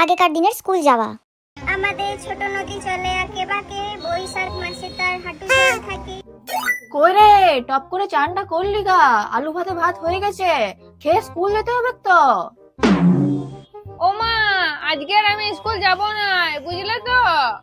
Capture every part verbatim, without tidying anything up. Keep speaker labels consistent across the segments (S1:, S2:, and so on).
S1: আগেকার দিনের স্কুল যাওয়া।
S2: আমাদের ছোট নদী চলে আঁকে বাঁকে, বৈশাখ মাসে তার হাঁটু জল থাকে।
S3: কই রে, টপ করে চানটা করলি গা? আলু ভাতে ভাত হয়ে গেছে, খেয়ে স্কুল যেতে হবে তো।
S4: ও মা, আজকে আর আমি স্কুল যাব না, বুঝলে তো?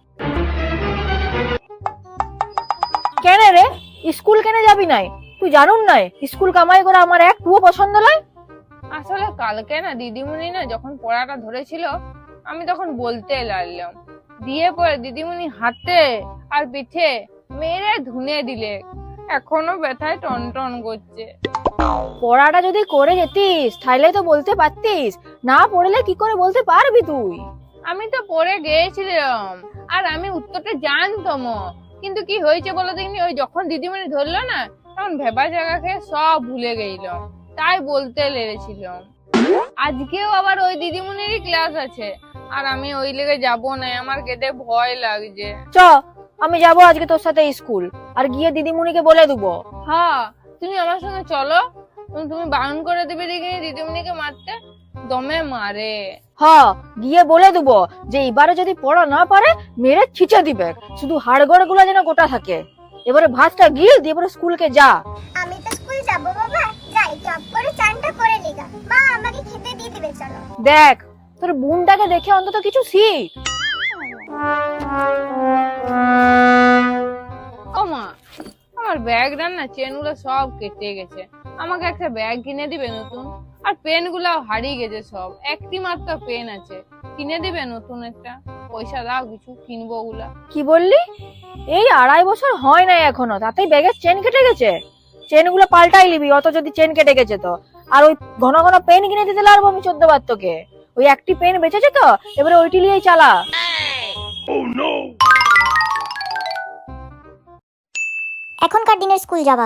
S3: কেন রে, স্কুল কেন যাবি নাই? তুই জানুন নাই স্কুল কামাই করা আমার একটুও পছন্দ নয়।
S4: আসলে কালকে না দিদিমণি না যখন পড়াটা ধরেছিল, আমি তখন বলতে লাগলাম, দিয়ে পরে দিদিমণি হাতে আর পিঠে মেরে ধুনে দিলে, এখনো ব্যথায় টন টন করছে।
S3: পড়াটা যদি করে যেতিস তাহলে তো বলতে পারতিস, না পড়লে কি করে বলতে পারবি তুই?
S4: আমি তো পড়ে গিয়েছিলাম আর আমি উত্তরটা জানতাম, কিন্তু কি হয়েছে বলো দেখিনি, ওই যখন দিদিমণি ধরলো না তখন ভেবা জায়গা খেয়ে সব ভুলে গেলাম, তাই বলতে লেগেছিলাম। আজকেও আবার ওই দিদিমণিরই ক্লাস আছে, আর আমি ওই লেগে যাবো না, আমার কেটে ভয় লাগছে।
S3: চ, আমি যাব আজকে তোর সাথে স্কুল, আর গিয়ে দিদিমণিকে বলে দেবো।
S4: হ্যাঁ, তুমি আমার সঙ্গে চলো, তুমি বারণ করে দেবে দেখিনি দিদিমণিকে মারতে, দমে মারে।
S3: হ্যাঁ, গিয়ে বলে দেবো যে এবারে যদি পড়া না পারে মেরে ছিঁচে দিবে, শুধু হাড়গড় গুলা যেন গোটা থাকে। এবারে ভাতটা গিল দিয়ে এবারে স্কুলকে যা।
S2: আমি তো স্কুল যাব বাবা, যাই টপ করে চানটা করে নিগা। মা আমাকে খেতে দিয়ে দিবে, চলো।
S3: দেখ, তোর বোনটাকে দেখে অন্তত কিছু শিখ।
S4: ও মা, আমার ব্যাগটা না চেন গুলো সব কেটে গেছে, আমাকে একটা ব্যাগ কিনে দিবে নতুন? আর পেন গুলাও হারিয়ে গেছে সব, একটি মাত্র পেন আছে, কিনে দিবে নতুন একটা? পয়সা দাও, কিছু কিনবো ওগুলা।
S3: কি বললি? এই আড়াই বছর হয় নাই এখনো, তাতেই ব্যাগের চেন কেটে গেছে? চেন গুলো পাল্টাই নিবি, অত যদি চেন কেটে গেছে তো। আর ওই ঘন ঘন পেন কিনে দিতে লাগবো আমি চোদ্দ বার তোকে। ওই একটি পেন বেঁচেছে তো, এবারে ওইটি নিয়েই চালা।
S1: এখনকার দিনের স্কুল যাওয়া।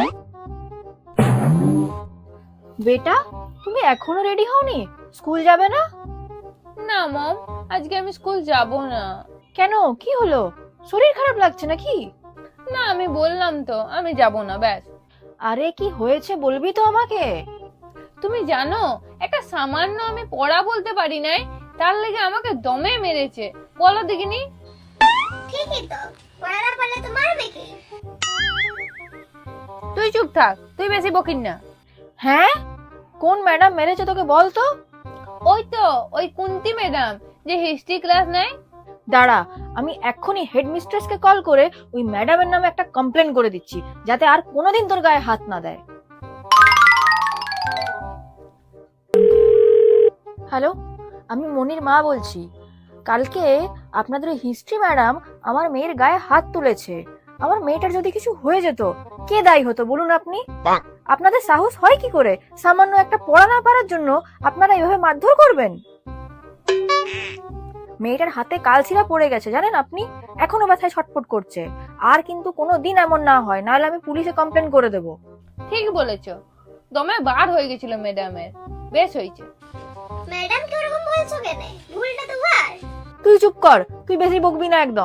S3: বেটা, তুমি এখনো রেডি হওনি? স্কুল যাবে না?
S4: না মম, আজকে আমি স্কুল যাব না।
S3: কেন, কি হলো? শরীর খারাপ লাগছে নাকি?
S4: না, আমি বললাম তো আমি যাব না, ব্যাস।
S3: আরে কি হয়েছে বলবি তো আমাকে?
S4: তুমি জানো, একটা সামান্য আমি পড়া বলতে পারি নাই, তার লেগে আমাকে দমে মেরেছে। বলো দেখিনি।
S2: ঠিকই তো, পড়া না পারলে তো মারবে কি?
S4: তুই চুপ থাক, তুই বেশি বকিন না।
S3: হ্যাঁ, কোন ম্যাডাম মেরেছে তোকে বল তো?
S4: ওই তো, ওই কুন্তি ম্যাডাম যে হিস্ট্রি ক্লাস নেয়।
S3: দাঁড়া, আমি এক্ষুনি হেডমিস্ট্রেসকে কল করে ওই ম্যাডামের নামে একটা কমপ্লেন করে দিচ্ছি, যাতে আর কোনোদিন তোর গায়ে হাত না দেয়। হ্যালো, আমি মনির মা বলছি। কালকে আপনাদের হিস্ট্রি ম্যাডাম আমার মেয়ের গায়ে হাত তুলেছে। আমার মেয়েটার যদি কিছু হয়ে যেত, কে দায়ী হতো বলুন আপনি? আপনাদের সাহস হয় কি করে সামান্য একটা পড়া না পারার জন্য আপনারা এভাবে মারধর করবেন? মেয়েটার হাতে কালছিরা পড়ে গেছে জানেন আপনি, এখনো ব্যথায় ছটফট করছে। আর কিন্তু কোনোদিন এমন না হয়, নাহলে আমি পুলিশে কমপ্লেন করে দেব।
S4: ঠিক বলেছো, দমে বার হয়ে গেছিল ম্যাডামের, বেশ হয়েছে।
S2: ম্যাডাম কি ওরকম বলছো কেন? ভুলটা তো ওর।
S3: তুই চুপ কর, তুই বেশি বকবি না একদম।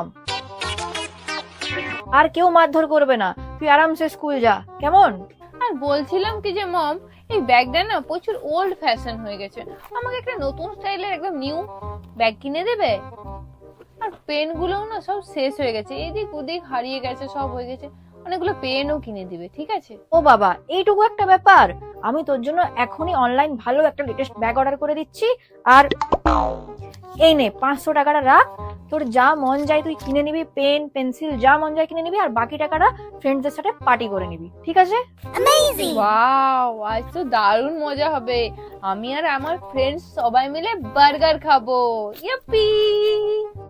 S3: আর কেউ মারধর করবে না, তুই আরামসে স্কুল যা, কেমন?
S4: আর বলছিলাম কি যে মম, এই ব্যাগটা না প্রচুর ওল্ড ফ্যাশন হয়ে গেছে, আমাকে একটা নতুন স্টাইলের একদম নিউ ব্যাগ কিনে দেবে? আর পেন গুলো না সব শেষ হয়ে গেছে, এদিক ওদিক হারিয়ে গেছে, সব হয়ে গেছে, অনেকগুলো পেনও কিনে দিবে, ঠিক আছে?
S3: ও বাবা, এইটুকু একটা ব্যাপার? আমি তোর জন্য এখনই অনলাইন ভালো একটা লেটেস্ট ব্যাগ অর্ডার করে দিচ্ছি। আর এই নে পাঁচশো টাকাটা রাখ, তোর যা মন যায় তুই কিনে নিবি, পেন পেন্সিল যা মন যায় কিনে নিবি, আর বাকি টাকাটা ফ্রেন্ডসদের সাথে পার্টি করে নিবি, ঠিক আছে?
S2: অ্যামেজিং।
S4: ওয়াও, আজ তো দারুণ মজা হবে, আমি আর আমার ফ্রেন্ডস সবাই মিলে বার্গার খাবো। ইয়াপ্পি।